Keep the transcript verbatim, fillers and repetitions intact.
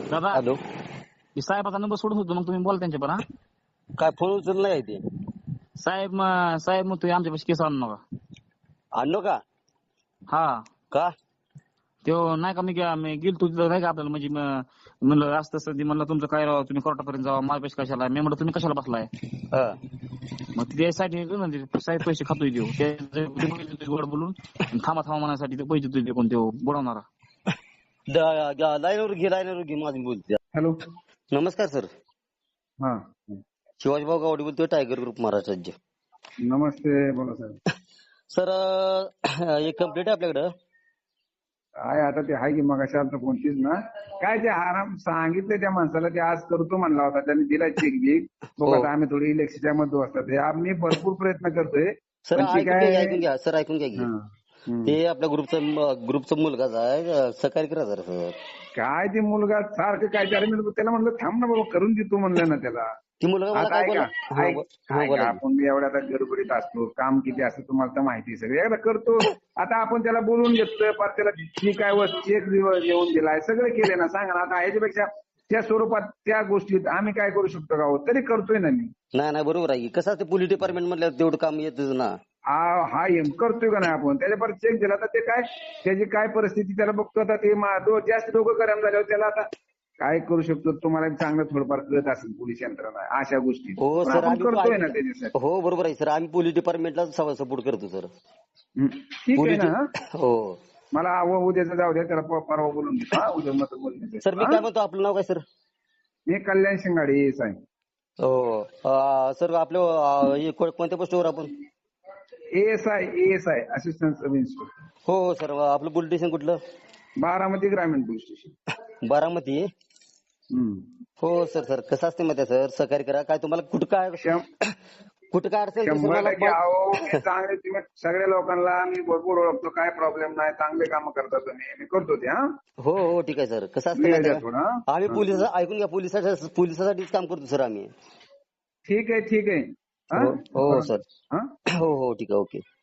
दादा हॅलो. मी साहेबाचा नंबर सोडून होतो, मग तुम्ही बोला त्यांच्या पण. हा काय फोन उचलला आहे ते? साहेब म- साहेब मग तुम्ही आमच्या केस आणू नका. आणलो का? हा का? तो नाही का मी गे- मी गेलतो तिथं नाही का आपल्याला म्हणजे म- म्हणलं असं तसं ते म्हणलं तुमचं काय राव तुम्ही कोर्टापर्यंत जावा माझ्या पैसे कशाला. मी म्हणलं तुम्ही कशाला बसलाय. हा. मग ते साईड साहेब पैसे खातोय देऊ ते गोड बोलून आणि थांबा थांबा म्हणण्यासाठी ते पैसे देतोय कोण तो बुडवणारा. द- ग- लाईनवर घे लाईनवर घे माझी बोलते. हॅलो. नमस्कार सर. हा शिवाजीभाऊ गावडे बोलतोय, टायगर ग्रुप महाराष्ट्र राज्य. नमस्ते, बोला साहेब. सर अं, एक कंप्लेंट आहे आपल्याकडं. काय आता ते आहे की मग अशा कोणतीच ना काय ते आराम सांगितलं त्या माणसाला ते आज करतो म्हणला होता त्यांनी दिला चेक बिक बघ. हो. आता आम्ही थोडी इलेक्शनच्या मध्ये असतात हे आम्ही भरपूर प्रयत्न करतोय सर पण ते ऐकून घ्या काय ऐकून घ्या सर ऐकून घ्या की. हा, हम्म. ते आपल्या ग्रुपचा ग्रुपचा मुलगाच आहे, सहकार्य करा जरा सर. काय ते मुलगा सारखं काय ते अरे मी त्याला म्हणलं थांब ना बाबा करून देतो म्हणलं ना त्याला. ती मुलगा मला आता काय ऐका बोला. हा, ऐक- बो- हा, ऐका बोला की. आपण एवढ्या आता गडबडीत असतो काम किती असतं तुम्हाला तर माहिती आहे सगळं एकदा करतो. आता आपण त्याला बोलून घेतलं पर त्याला जी काय वस्तू चेक येऊन दिलाय सगळं केले ना सांगा ना. आता ह्याच्यापेक्षा त्या स्वरूपात त्या गोष्टीत आम्ही काय करू शकतो का हो? तरी करतोय ना मी. नाही नाही बरोबर आहे की. कसं असते पोलीस डिपार्टमेंट मधल्या तेवढं काम येतच ना. हा हा एम करतोय का नाही आपण त्याच्या परत चेक दिला तर ते काय त्याची काय परिस्थिती त्याला बघतो. आता ते मा- दो- जास्त डोकं करायला झाल्यावर त्याला आता काय करू शकतो तुम्हाला चांगलं थोडंफार कळत असेल पोलीस यंत्रणा अशा गोष्टी. हो पण सर आपण आम्ही करतोय ना त्याच्यासाठी. हो बरोबर आहे सर. आम्ही पोलीस डिपार्टमेंटला सपोर्ट करतो सर. हं. ठीक आहे पोलीस ना. हो मला आव- उद्याचं जाऊ द्या त्याला प- परवा बोलून घेतो. हा उद्या मत बोलून सर. मी काय म्हणतो, आपलं नाव काय सर? मी कल्याण शिंगाडे साहेब. हो अं, सर आपलं अं, हे को- कोणत्या पोस्टवर आपण? ASI ASI assistant sub inspector हो हो सर. आपलं पोलीस स्टेशन कुठलं? बारामती ग्रामीण पोलीस स्टेशन. बारामती. हम्म. हो सर. सर कसं असते माहिती आहे सर, सहकार्य करा. काय तुम्हाला कुठं काय शं- कुठं काय अडचण असेल, सर शंभर मला टक्के बा- अहो मी चांगले तुम्ही सगळ्या लोकांना मी भरपूर ओळखतो. काय प्रॉब्लेम नाही. चांगले काम करता तुम्ही. मी करतो ते. हा हो हो ठीक आहे सर. कसं असतं वेळ माहिती द्या आहे थोडा. का, आम्ही हा. पोलिस ऐकून घ्या, पोलिसासाठी पोलिसासाठीच काम करतो सर आम्ही. ठीक आहे ठीक आहे. हा? हो हो सर. हा हो हो ठीक आहे. ओके.